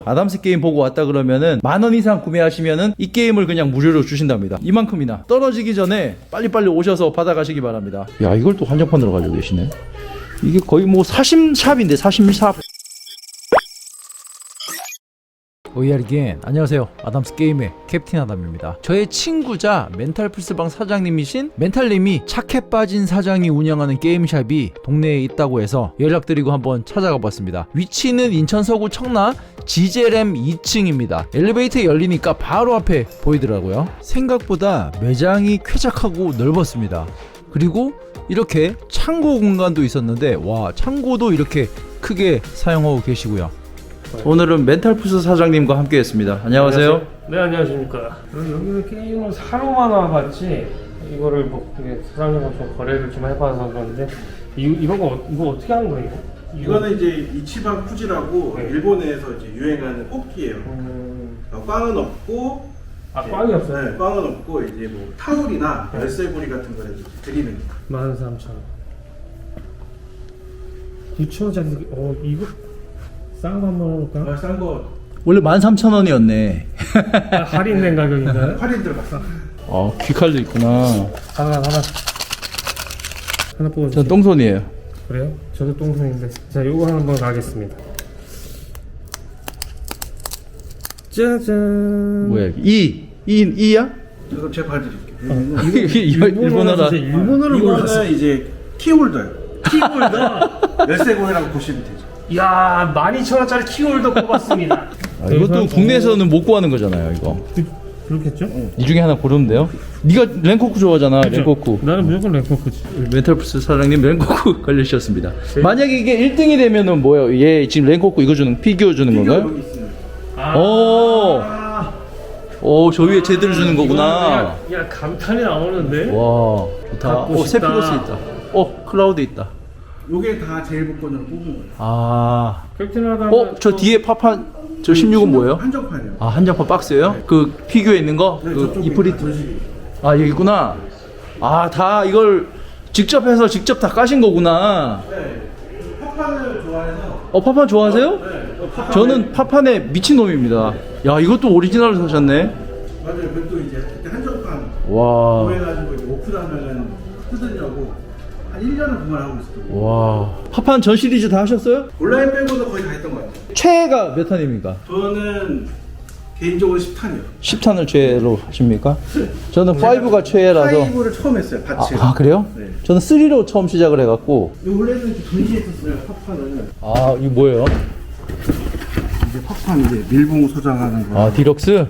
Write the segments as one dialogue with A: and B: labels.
A: 아담스 게임 보고 왔다 그러면은 10,000원 이상 구매하시면은 이 게임을 그냥 무료로 주신답니다. 이만큼이나. 떨어지기 전에 빨리빨리 오셔서 받아가시기 바랍니다. 야, 이걸 또 한정판으로 가지고 계시네. 이게 거의 뭐 사심샵인데, 사심샵. 오이알기엔 안녕하세요. 아담스 게임의 캡틴 아담입니다. 저의 친구자 멘탈플스방 사장님이신 멘탈님이 착해 빠진 사장이 운영하는 게임샵이 동네에 있다고 해서 연락드리고 한번 찾아가 봤습니다. 위치는 인천 서구 청라 지제램 2층입니다. 엘리베이터 열리니까 바로 앞에 보이더라고요. 생각보다 매장이 쾌적하고 넓었습니다. 그리고 이렇게 창고 공간도 있었는데, 와, 창고도 이렇게 크게 사용하고 계시고요. 오늘은 멘탈플스 사장님과 함께 했습니다. 안녕하세요.
B: 네, 안녕하십니까. 여기는 게임을 사러만 와봤지 이거를 뭐 사장님과 좀 거래를 좀 해봐서 그런데 이거 어떻게 하는 거예요?
C: 이거는 이제 이치반 쿠지라고
B: 네.
C: 일본에서 이제 유행하는 뽑기예요. 꽝은 없고,
B: 꽝이 없어요?
C: 네, 꽝은 없고 이제 뭐 타올이나 열쇠고리 같은 거를 이제 드리는 거.
B: 13,000원. 9,000원짜리. 이거 싼 거 한번 해볼까?
C: 싼 거
A: 원래 13,000원이었네.
B: 할인된 가격인가요?
C: 할인 들어갔어.
A: 귀칼도 있구나.
B: 하나 뽑아주세요.
A: 전 똥손이에요.
B: 그래요? 저도 똥손인데. 자, 요거 한번 가겠습니다. 짜잔.
A: 뭐야, 이야?
C: 이거 제가 봐드릴게요.
A: 일본어라.
B: 일본어를 몰랐어.
C: 이거는 이제 키홀더예요.
B: 키홀더.
C: 열쇠고리라고 보시면 되죠.
B: 이야, 12,000원짜리 키홀더 뽑았습니다.
A: 이것도 국내에서는 못 구하는 거잖아요, 이거.
B: 그렇겠죠?
A: 이 중에 하나 고르면 돼요. 네가 랭코쿠 좋아하잖아.
B: 그쵸?
A: 랭코쿠.
B: 나는 무조건 랭코쿠지.
A: 멘탈플스 사장님 랭코쿠 걸리셨습니다. 만약에 이게 1등이 되면은 뭐예요? 얘 지금 랭코쿠 이거 주는 피규어 주는 건가요?
C: 여기 있습니다.
A: 오, 저 위에 제대로 주는 거구나.
B: 야, 감탄이 나오는데?
A: 와, 좋다.
B: 갖고 싶다.
A: 세피로스 있다. 클라우드 있다.
C: 요게 다 제일 복권으로 뽑은 거예요.
B: 캡틴 하다가
A: 저 뒤에 파판, 저 16은 뭐예요?
C: 한정판이요.
A: 한정판 박스예요? 그 피규어 있는 거?
C: 네,
A: 그
C: 저쪽에
A: 이프리트.
C: 전시기.
A: 여기 있구나. 다 이걸 직접 해서 직접 다 까신 거구나.
C: 네. 파판을 좋아해서.
A: 파판 좋아하세요?
C: 네.
A: 저는 파판에 미친놈입니다. 야, 이것도 오리지널을 사셨네.
C: 맞아요. 그것도 이제 그때 한정판
A: 와.
C: 구해가지고 이제 오픈하면은 뜯으려고 한 1년을 구매하고 있었거든요.
A: 와. 파판 전 시리즈 다 하셨어요?
C: 온라인 빼고도 거의 다 했던 것 같아요.
A: 최애가 몇 탄입니까?
C: 저는 개인적으로 10탄이요.
A: 10탄을 최애로 하십니까? 저는 5가 최애라서.
C: 5를 처음 했어요, 같이.
A: 그래요?
C: 네.
A: 저는 3로 처음 시작을 해갖고.
C: 원래는 이렇게 전시했었어요, 파판을.
A: 이거 뭐예요?
C: 이제 파판 이제 밀봉 소장하는 거.
A: 디럭스?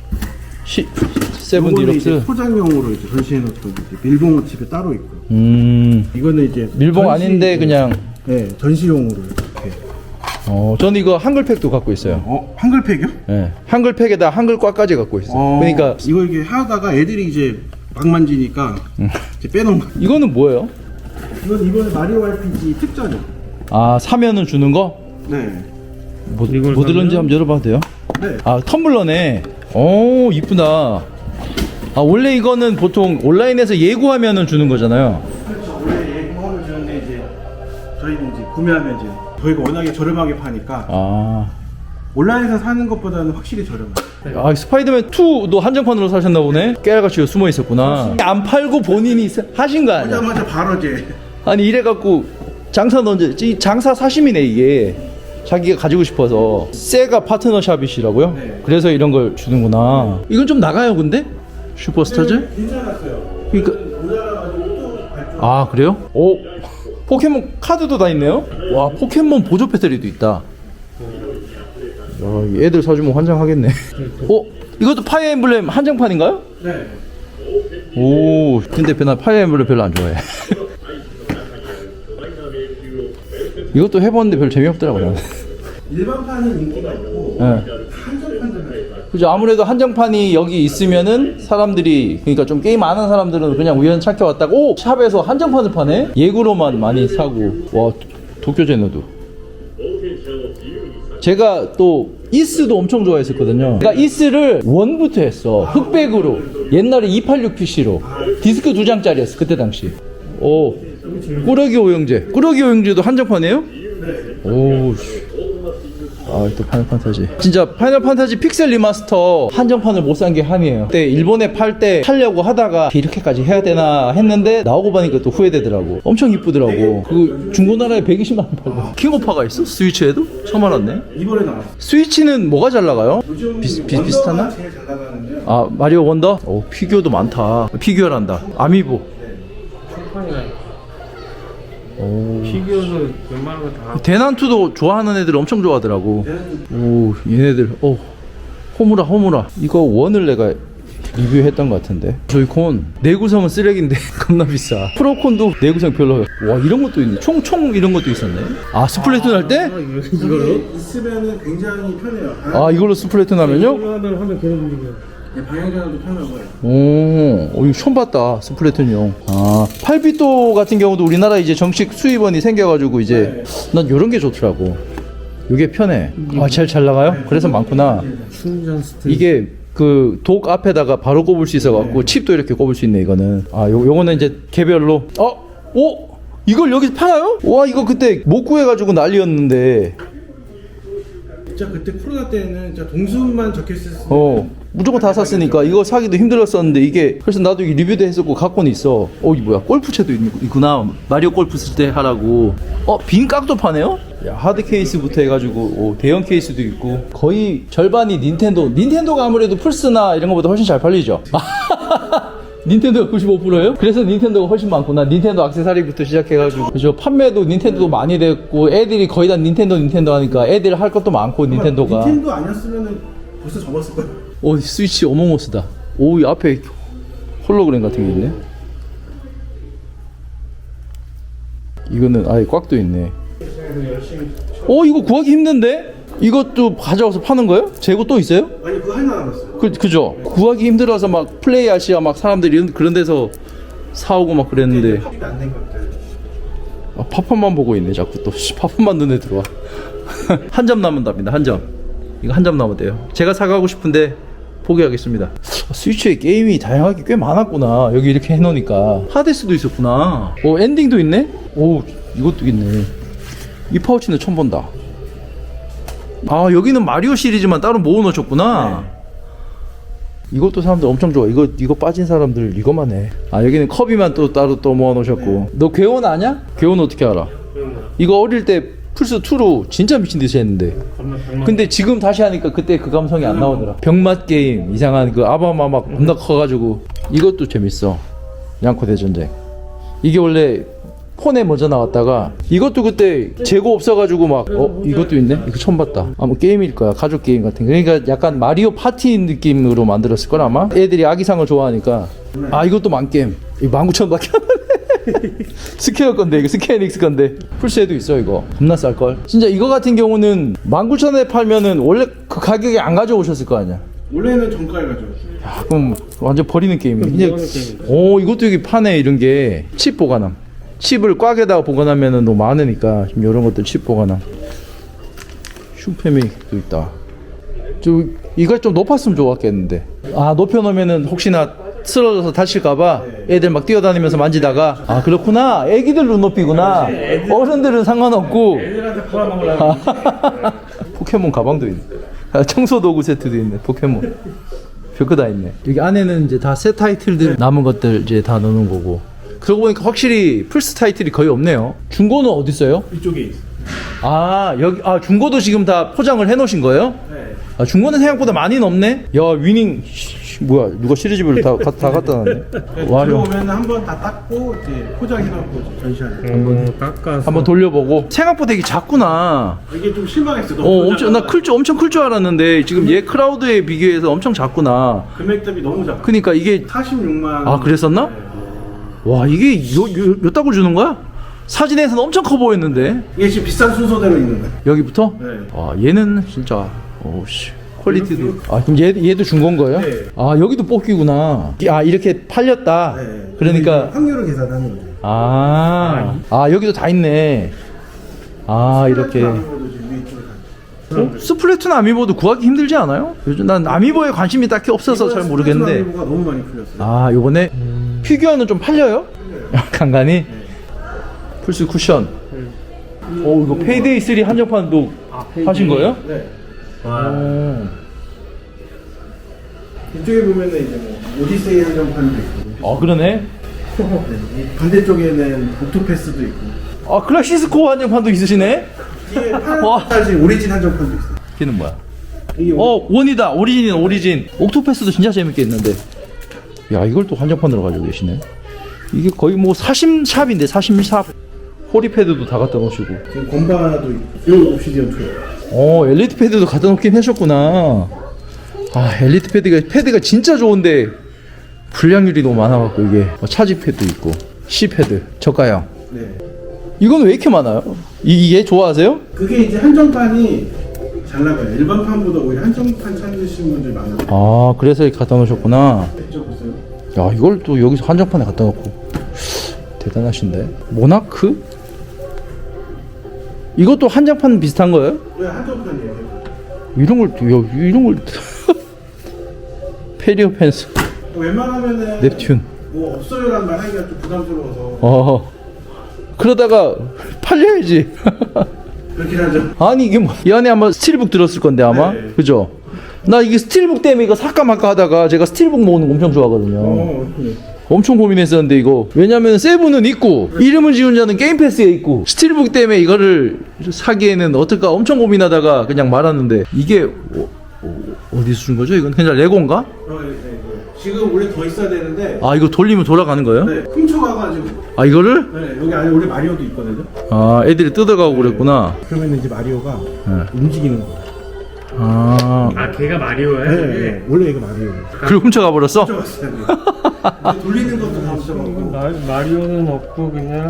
A: 세븐
C: 요거는 이제
A: 디럭스?
C: 소장용으로 이제 전시해놓던 이제 밀봉은 집에 따로 있고. 이거는 이제
A: 밀봉 아닌데 그냥.
C: 네, 전시용으로 이렇게.
A: 저는 이거 한글팩도 갖고 있어요.
C: 한글팩이요?
A: 네. 한글팩에다 한글과까지 갖고 있어요. 그러니까
C: 이게 하다가 애들이 이제 막 만지니까 이제 빼놓은 거.
A: 이거는 뭐예요?
C: 이건 이번에 마리오 RPG 특전이요.
A: 사면은 주는 거?
C: 네.
A: 뭐
B: 이걸
A: 들었는지
B: 사면?
A: 한번 열어봐도 돼요?
C: 네.
A: 텀블러네. 이쁘다. 원래 이거는 보통 온라인에서 예고하면은 주는 거잖아요.
C: 그렇죠. 원래 예고하면 주는데 이제 저희는 이제 구매하면 이제 저희가 워낙에 저렴하게 파니까 온라인에서 사는 것보다는 확실히 저렴해요.
A: 스파이더맨 2도 한정판으로 사셨나 보네. 깨알같이 숨어 있었구나. 안 팔고 본인이 하신 거 아니야?
C: 오자마자 바로 이제
A: 아니 이래갖고 장사 이 장사 사심이네 이게. 자기가 가지고 싶어서. 세가 파트너샵이시라고요?
C: 네.
A: 그래서 이런 걸 주는구나. 이건 좀 나가요 근데? 슈퍼스타즈?
C: 괜찮았어요.
A: 그러니까
C: 모자라가지고 또 발전.
A: 그래요? 포켓몬 카드도 다 있네요? 와, 포켓몬 보조 배터리도 있다. 야, 애들 사주면 환장하겠네. 이것도 파이어 엠블렘 한정판인가요?
C: 네.
A: 근데 나 파이어 엠블렘 별로 안 좋아해. 이것도 해봤는데 별로 재미없더라고요.
C: 일반판은 인기가 있고
A: 네.
C: 한정판들은
A: 그죠. 아무래도 한정판이 여기 있으면은 사람들이, 그러니까 좀 게임 아는 사람들은 그냥 우연찮게 왔다가 샵에서 한정판을 파네? 예고로만 많이 사고. 와, 도쿄제너도. 제가 또 이스도 엄청 좋아했었거든요. 그러니까 이스를 원부터 했어. 흑백으로. 옛날에 286PC로. 디스크 2장짜리였어 그때 당시. 꾸러기 오영제. 꾸러기 오영제도 한정판이에요? 네. 아, 또 파이널 판타지. 진짜 파이널 판타지 픽셀 리마스터 한정판을 못 산 게 한이에요. 그때 일본에 팔 때 팔려고 하다가 이렇게까지 해야 되나 했는데 나오고 보니까 또 후회되더라고. 엄청 이쁘더라고. 그 중고나라에 120만 원 팔고. 킹오파가 있어? 스위치에도? 처음 알았네.
C: 이번에 나왔어.
A: 스위치는 뭐가 잘 나가요?
C: 요즘
A: 비슷하나?
C: 원더가 제일 잘 나가는데요.
A: 아, 마리오 원더? 오, 피규어도 많다. 피규어란다. 아미보.
B: 총판이나
A: 오.
B: 피규어도 웬만한 거 다.
A: 대난투도 좋아하는 애들 엄청 좋아하더라고. 오, 얘네들. 오, 호무라. 이거 원을 내가 리뷰했던 것 같은데. 조이콘 내구성은 쓰레기인데 겁나 비싸. 프로콘도 내구성 별로예요. 와, 이런 것도 있네. 총 이런 것도 있었네. 아, 스플래툰 할 때?
B: 이걸로?
C: 있으면은 굉장히 편해요.
A: 아, 이걸로 스플래툰 하면요?
B: 하면 계속 움직여.
C: 방향전환도 편하고요.
A: 오, 이거 처음 봤다. 스플래툰용. 아, 8비토 같은 경우도 우리나라 이제 정식 수입원이 생겨가지고 이제 난 요런 게 좋더라고. 요게 편해. 아, 제일 잘 나가요? 그래서 많구나.
B: 충전 스틱.
A: 이게 그 독 앞에다가 바로 꼽을 수 있어갖고 칩도 이렇게 꼽을 수 있네. 이거는. 아, 요거는 이제 개별로. 오, 이걸 여기서 팔아요? 와, 이거 그때 못 구해가지고 난리였는데.
C: 진짜 그때 코로나 때는 진짜 동수만 적혀있을 때
A: 무조건 다 샀으니까 이거 사기도 힘들었었는데 이게 그래서 나도 이게 리뷰도 했었고 갖고는 있어. 이 뭐야, 골프채도 있구나. 마리오 골프 쓸 때 하라고. 빈 깍도 파네요? 야, 하드 케이스부터 해가지고 대형 케이스도 있고. 거의 절반이 닌텐도가 아무래도 플스나 이런 거보다 훨씬 잘 팔리죠. 닌텐도가 95%예요? 그래서 닌텐도가 훨씬 많구나. 닌텐도 액세서리부터 시작해가지고. 그죠. 판매도 닌텐도도 많이 됐고, 애들이 거의 다 닌텐도 하니까 애들 할 것도 많고, 닌텐도가.
C: 닌텐도 아니었으면은 벌써 접었을 거예요.
A: 스위치 어몽어스다. 이 앞에 홀로그램 같은 게 있네. 이거는 아예 꽉도 있네. 이거 구하기 힘든데? 이것도 가져와서 파는 거예요? 재고 또 있어요?
C: 아니 그거 하나 남았어요.
A: 그죠? 구하기 힘들어서 막 플레이 아시아 막 사람들이 그런 데서 사오고 막 그랬는데.
C: 팝이 안된 것들.
A: 팝업만 보고 있네 자꾸 또. 팝업만 눈에 들어와. 한 점 남은답니다. 한 점. 이거 한 점 남았대요. 제가 사가고 싶은데 포기하겠습니다. 스위치에 게임이 다양하게 꽤 많았구나. 여기 이렇게 해놓으니까. 하데스도 있었구나. 엔딩도 있네? 이것도 있네. 이 파우치는 처음 본다. 여기는 마리오 시리즈만 따로 모아놓으셨구나. 네. 이것도 사람들 엄청 좋아. 이거 빠진 사람들 이거만 해. 여기는 커비만 또 따로 또 모아놓으셨고. 네. 너 괴원 아냐? 괴원 어떻게 알아? 이거 어릴 때 플스2로 진짜 미친듯이 했는데. 근데 지금 다시 하니까 그때 그 감성이 안 나오더라. 병맛 게임 이상한 그 아바마 막 겁나 커가지고. 이것도 재밌어. 양코 대전쟁. 이게 원래 폰에 먼저 나왔다가 이것도 그때 재고 없어가지고 막 이것도 있네? 이거 처음 봤다. 뭐 게임일 거야. 가족 게임 같은 거. 그러니까 약간 마리오 파티 느낌으로 만들었을 걸 아마. 애들이 아기상을 좋아하니까. 이것도 만게임. 이거 19,000원밖에 안 하네. 스퀘어 건데 이거 스퀘어닉스 건데. 플스에도 있어 이거. 겁나 쌀걸. 진짜 이거 같은 경우는 19,000원에 팔면은 원래 그 가격에 안 가져오셨을 거 아니야.
C: 원래는 정가에 가죠.
A: 그럼 완전 버리는 게임이야. 이것도 여기 파네. 이런 게 칩 보관함. 칩을 꽉에다가 보관하면은 너무 많으니까 지금 이런 것들 칩 보관함. 슈페믹도 있다. 이거 좀 높았으면 좋았겠는데. 높여놓으면은 혹시나 쓰러져서 다칠까봐 애들 막 뛰어다니면서 만지다가. 그렇구나. 애기들 눈높이구나. 어른들은 상관없고.
B: 애들한테 팔아먹으려고.
A: 포켓몬 가방도 있네. 청소도구 세트도 있네. 포켓몬. 별거 다 있네. 여기 안에는 이제 다 새 타이틀들 남은 것들 이제 다 넣는 거고. 그러고 보니까 확실히 플스 타이틀이 거의 없네요. 중고는 어디 있어요?
C: 이쪽에 있어요.
A: 여기 중고도 지금 다 포장을 해놓으신 거예요?
C: 네.
A: 중고는 생각보다 많이 넘네. 야, 위닝 뭐야? 누가 시리즈별로 다 갖다 놨네.
C: 들어오면 한번 다 닦고 이제 포장해놓고 전시하는.
B: 깎아서.
A: 한번 돌려보고. 생각보다 이게 작구나.
C: 이게 좀 실망했어. 너무
A: 엄청 엄청 클 줄 알았는데 지금 얘 크라우드에 비교해서 엄청 작구나.
C: 금액 대비 너무 작아.
A: 그러니까 이게
C: 46만.
A: 그랬었나?
C: 네.
A: 와, 이게 요 딱을 주는 거야? 사진에서는 엄청 커 보였는데.
C: 이게 지금 비싼 순서대로 있는 거야.
A: 여기부터?
C: 네.
A: 얘는 진짜 퀄리티도. 그럼 얘도 중고인 거예요?
C: 네.
A: 여기도 뽑기구나. 이렇게 팔렸다.
C: 네.
A: 그러니까
C: 확률을 계산하는 거죠.
A: 여기도 다 있네. 이렇게. 스플래툰 아미보도 구하기 힘들지 않아요? 요즘 난 아미보에 관심이 딱히 없어서 잘 모르겠는데.
C: 아미보가 너무 많이 풀렸어요.
A: 요번에 피규어는 좀 팔려요? 간간히? 플스 쿠션. 이거 페이데이 3 한정판도 하신 거예요?
C: 네.
B: 와.
C: 이쪽에 보면은 이제 뭐 오디세이 한정판도 있고.
A: 아 그러네.
C: 네. 이 반대쪽에는 옥토패스도 있고.
A: 아 클래시스코 한정판도 있으시네.
C: 이게
A: 와.
C: 파란색 오리진 한정판도 있어요.
A: 걔는 뭐야?
C: 이게
A: 원이다. 오리진이다. 오리진. 옥토패스도 진짜 재밌겠는데. 야 이걸 또 한정판으로 가지고 계시네. 이게 거의 뭐 사심샵인데 사심샵. 호리 패드도 다 갖다 놓으시고.
C: 지금 건바도 있고. 이거 옵시디언 2.
A: 엘리트 패드도 갖다 놓긴 하셨구나. 아 엘리트 패드가 진짜 좋은데 불량률이 너무 많아갖고 이게 차지 패드 있고 C 패드 저가형.
C: 네.
A: 이건 왜 이렇게 많아요? 이게 좋아하세요?
C: 그게 이제 한정판이 잘 나가요. 일반 판보다 오히려 한정판 찾으시는 분들이 많아요.
A: 아 그래서 이렇게 갖다 놓으셨구나.
C: 저 보세요.
A: 야 이걸 또 여기서 한정판에 갖다 놓고 대단하신데. 모나크? 이것도 한정판 비슷한 거예요?
C: 왜 한정판이에요?
A: 이런 걸 페리오 펜스
C: 웬만하면은
A: nep튠.
C: 뭐 없어요라는 말 하기가 좀 부담스러워서
A: 그러다가 팔려야지.
C: 그렇긴 하죠.
A: 아니 이게 뭐 이 안에 아마 스틸북 들었을 건데 아마
C: 네.
A: 그죠? 나 이게 스틸북 때문에 이거 살까 말까 하다가 제가 스틸북 모으는 거 엄청 좋아하거든요.
C: 네.
A: 엄청 고민했었는데 이거 왜냐면 세븐은 있고 이름을 지은 자는 게임 패스에 있고 스틸북 때문에 이거를 사기에는 어떨까 엄청 고민하다가 그냥 말았는데 이게 어디서 준 거죠? 이건 그냥 레고인가?
C: 네. 지금 원래 더 있어야 되는데
A: 아 이거 돌리면 돌아가는 거예요?
C: 네, 훔쳐가가지고
A: 아 이거를?
C: 네, 여기 안에 원래 마리오도 있거든요.
A: 아 애들이 뜯어가고 그랬구나.
C: 그러면 이제 마리오가
A: 네.
C: 움직이는 거예요.
B: 아 걔가 마리오야?
C: 네, 원래 이거 마리오예요.
A: 그리고 훔쳐가 버렸어?
C: 훔쳐갔어요. 근데 돌리는 것도 다 훔쳐가고.
B: 마리오는 없고 그냥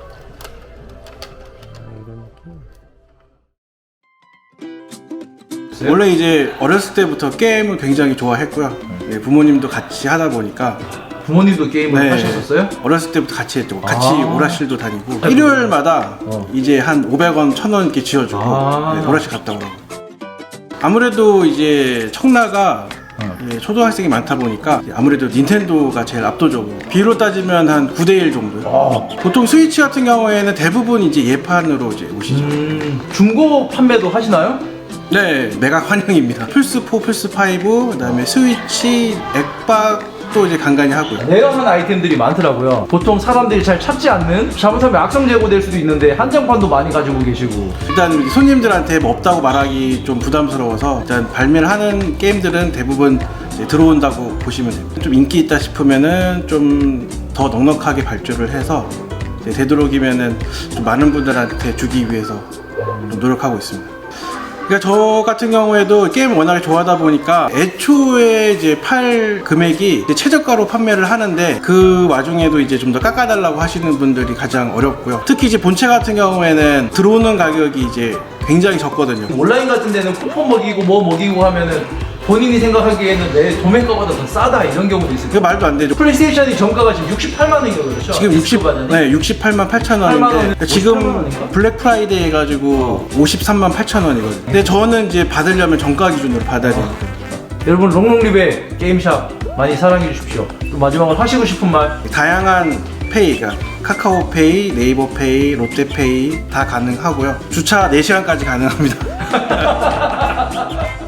C: 원래 이제 어렸을 때부터 게임을 굉장히 좋아했고요. 네, 부모님도 같이 하다 보니까
A: 부모님도 게임을
C: 네.
A: 하셨었어요?
C: 어렸을 때부터 같이 했죠. 같이
A: 아.
C: 오락실도 다니고 일요일마다 이제 한 500원, 1000원 이렇게 지어주고
A: 아.
C: 네, 오락실 갔다 오라고. 아무래도 이제 청라가 예, 초등학생이 많다 보니까 아무래도 닌텐도가 제일 압도적으로 비율로 따지면 한 9대1 정도. 보통 스위치 같은 경우에는 대부분 이제 예판으로 이제 오시죠.
A: 중고 판매도 하시나요?
C: 네, 매각 환영입니다. 플스4, 플스5, 그다음에 스위치, 엑박도 이제 간간히 하고요.
A: 레어한 아이템들이 많더라고요. 보통 사람들이 잘 찾지 않는 잘못하면 악성 재고될 수도 있는데 한정판도 많이 가지고 계시고.
C: 일단 손님들한테 뭐 없다고 말하기 좀 부담스러워서 일단 발매를 하는 게임들은 대부분 이제 들어온다고 보시면 됩니다. 좀 인기 있다 싶으면은 좀 더 넉넉하게 발주를 해서 이제 되도록이면은 좀 많은 분들한테 주기 위해서 좀 노력하고 있습니다. 그러니까 저 같은 경우에도 게임을 워낙에 좋아하다 보니까 애초에 이제 팔 금액이 이제 최저가로 판매를 하는데 그 와중에도 이제 좀 더 깎아달라고 하시는 분들이 가장 어렵고요. 특히 이제 본체 같은 경우에는 들어오는 가격이 이제 굉장히 적거든요.
A: 온라인 같은 데는 쿠폰 먹이고 뭐 먹이고 하면은 본인이 생각하기에는 내 도매가보다 더 싸다 이런 경우도 있어요.
C: 그 말도 안 되죠.
A: 플레이스테이션이 정가가 지금 68만 원인가 그렇죠?
C: 지금 68만 8천 원인데 지금 블랙 프라이데이 해가지고 53만 8천 원이거든요. 근데 저는 이제 받으려면 정가 기준으로 받아야 되니까.
A: 여러분 롱롱립의 게임샵 많이 사랑해 주십시오. 또 마지막으로 하시고 싶은 말.
C: 다양한 페이가 카카오페이, 네이버페이, 롯데페이 다 가능하고요. 주차 4시간까지 가능합니다.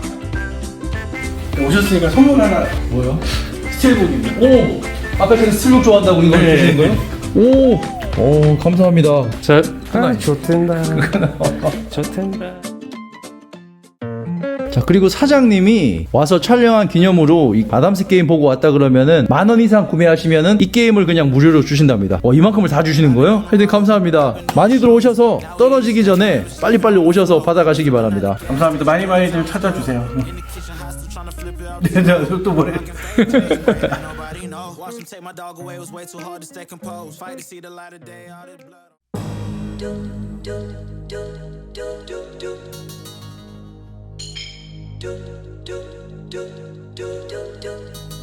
C: 오셨으니까 선물 하나.
A: 뭐요?
C: 스틸북입니다.
A: 오! 아까 전에 스틸북 좋아한다고 이거
B: 네.
A: 주시는 거예요? 오! 감사합니다.
B: 자, 좋텐다. 좋텐다.
A: 자 그리고 사장님이 와서 촬영한 기념으로 이 아담스 게임 보고 왔다 그러면은 10,000원 이상 구매하시면은 이 게임을 그냥 무료로 주신답니다. 이만큼을 다 주시는 거예요? 하여튼 감사합니다. 많이들 오셔서 떨어지기 전에 빨리빨리 오셔서 받아가시기 바랍니다.
C: 감사합니다. 많이들 찾아주세요. 네, 또 뭐래?
D: Nobody know. Watch them take my dog away. It was way too hard to stay composed. Fight to see the light of day. All this blood.